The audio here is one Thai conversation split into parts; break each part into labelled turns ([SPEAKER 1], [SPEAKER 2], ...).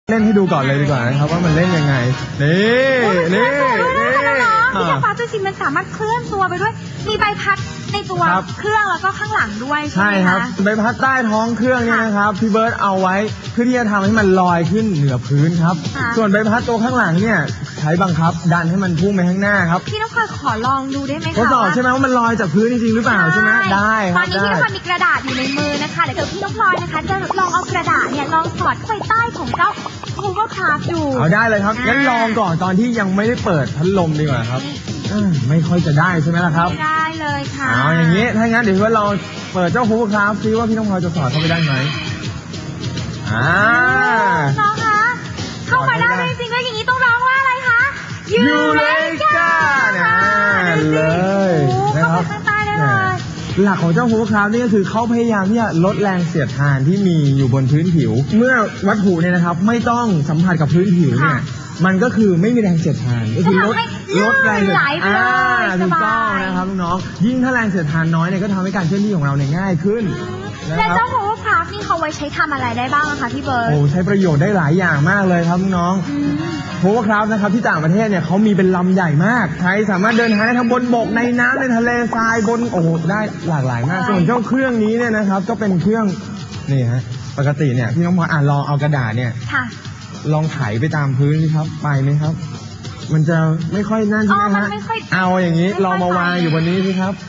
[SPEAKER 1] เล่นให้ดูก่อนเลยดีกว่านะครับว่ามันเล่นยังไงนี่
[SPEAKER 2] พี่ฟ้าตัวจริงมันสามารถเคลื่อนตัวไปด้วยมีใบพัดในตัวเครื่องแล้วก็ข้างหลังด้วยใช่ไหมคะ
[SPEAKER 1] ใบพัดใต้ท้องเครื่องนี่นะครับพี่เบิร์ตเอาไว้เพื่อที่จะทำให้มันลอยขึ้นเหนือพื้นครับส่วนใบพัดตัวข้างหลังเนี่ยใช้บังคับดันให้มันพุ่งไปข้างหน้าครับ
[SPEAKER 2] พี่น้องพลอยขอลองดูได้ไหมคะ
[SPEAKER 1] ทดสอบใช่ไหมว่ามันลอยจากพื้นจริงหรือเปล่าใช่ไหมได้
[SPEAKER 2] ตอนนี้พี่น้องพลอยมีกระดาษอยู่ในมือนะคะเดี๋ยวพี่น้องพลอยนะคะจะลองเอากระดาษเนี่ยลองสอดเข้าไปใต้ของเจ้าHovercraftดู
[SPEAKER 1] เอาได้เลยครับงั้นลองก่อนตอนที่ยังไม่ได้เปิดพัดลมดีกว่าครับไม่ค่อยจะได้ใช่ไหมล่ะครับ
[SPEAKER 2] ไม่ได้เลยค่ะ
[SPEAKER 1] เอาอย่างนี้ถ้างั้นเดี๋ยวเราเปิดเจ้าHovercraftซิว่าพี่น้องพลอยจะสอดเข้าไปได้ไหม
[SPEAKER 2] น้องคะเข้าไปได้จริงๆแล้วอย่างนี้ต้องร้องว่าอะไรคะ
[SPEAKER 1] ยูเรกาเลย
[SPEAKER 2] นะครับข้างใต้ได้เลย
[SPEAKER 1] หลักของเจ้าHovercraftนี่ก็คือเขาพยายามที่จะลดแรงเสียดทานที่มีอยู่บนพื้นผิวเมื่อวัตถุเนี่ยนะครับไม่ต้องสัมผัสกับพื้นผิวเนี่ยมันก็คือไม่มีแรงเสียดทานก็คือลดแรงเสียดทานถูกต้องนะครับน้องๆยิ่งถ้าแรงเสียดทานน้อยเนี่ยก็ทำให้การเคลื่อนที่ของเราเนี่ยง่ายขึ้น
[SPEAKER 2] และเจ้าHovercraftนี่เขาไว้ใช้ทำอะไรได้บ้างคะพี่เบิร์ต
[SPEAKER 1] ใช้ประโยชน์ได้หลายอย่างมากเลยครับน้องHovercraftนะครับที่ต่างประเทศเนี่ยเขามีเป็นลำใหญ่มากใช้สามารถเดินทางได้ทั้งบนบกในน้ำในทะเลทรายบนได้หลากหลายมากส่วนเจ้าเครื่องนี้เนี่ยนะครับก็เป็นเครื่องนี่ฮะปกติเนี่ยพี่น้องพอลองเอากระดาษเนี่ยลองไถไปตามพื้นสิครับไปไหมครับมันจะไม่ค่อยนั่นใช่ไหมฮะเอาอย่างนี้ลองมาวางอยู่บนนี้สิครับ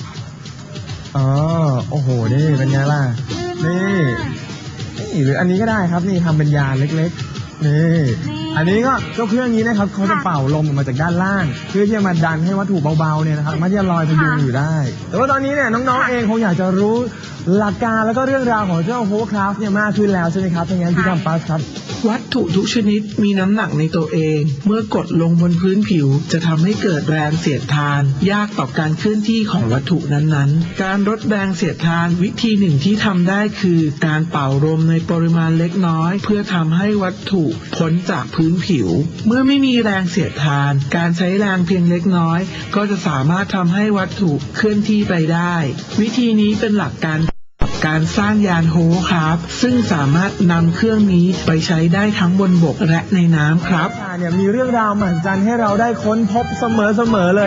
[SPEAKER 1] โอ้โหนี่เป็นไงล่ะนี่หรืออันนี้ก็ได้ครับนี่ทำเป็นยานเล็กๆนี่อันนี้ก็เจ้าเครื่องนี้นะครับเขาจะเป่าลมออกมาจากด้านล่างเพื่อที่จะมาดันให้วัตถุเบาๆเนี่ยนะครับมันจะลอยพยุงอยู่ได้แต่ว่าตอนนี้เนี่ยน้องๆเองคงอยากจะรู้หลักการแล้วก็เรื่องราวของเจ้าHovercraftเนี่ยมากขึ้นแล้วใช่ไหมครับถ้างั้นพี่กัมปัสครับ
[SPEAKER 3] วัตถุทุกชนิดมีน้ำหนักในตัวเองเมื่อกดลงบนพื้นผิวจะทำให้เกิดแรงเสียดทานยากต่อการเคลื่อนที่ของวัตถุนั้นๆการลดแรงเสียดทานวิธีหนึ่งที่ทำได้คือการเป่าลมในปริมาณเล็กน้อยเพื่อทำให้วัตถุพ้นจากพื้นผิวเมื่อไม่มีแรงเสียดทานการใช้แรงเพียงเล็กน้อยก็จะสามารถทำให้วัตถุเคลื่อนที่ไปได้วิธีนี้เป็นหลักการสร้างยานHovercraftซึ่งสามารถนำเครื่องนี้ไปใช้ได้ทั้งบนบกและในน้ำครับ
[SPEAKER 1] เนี่ยมีเรื่องราวมหัศจรรย์ให้เราได้ค้นพบเสมอเลย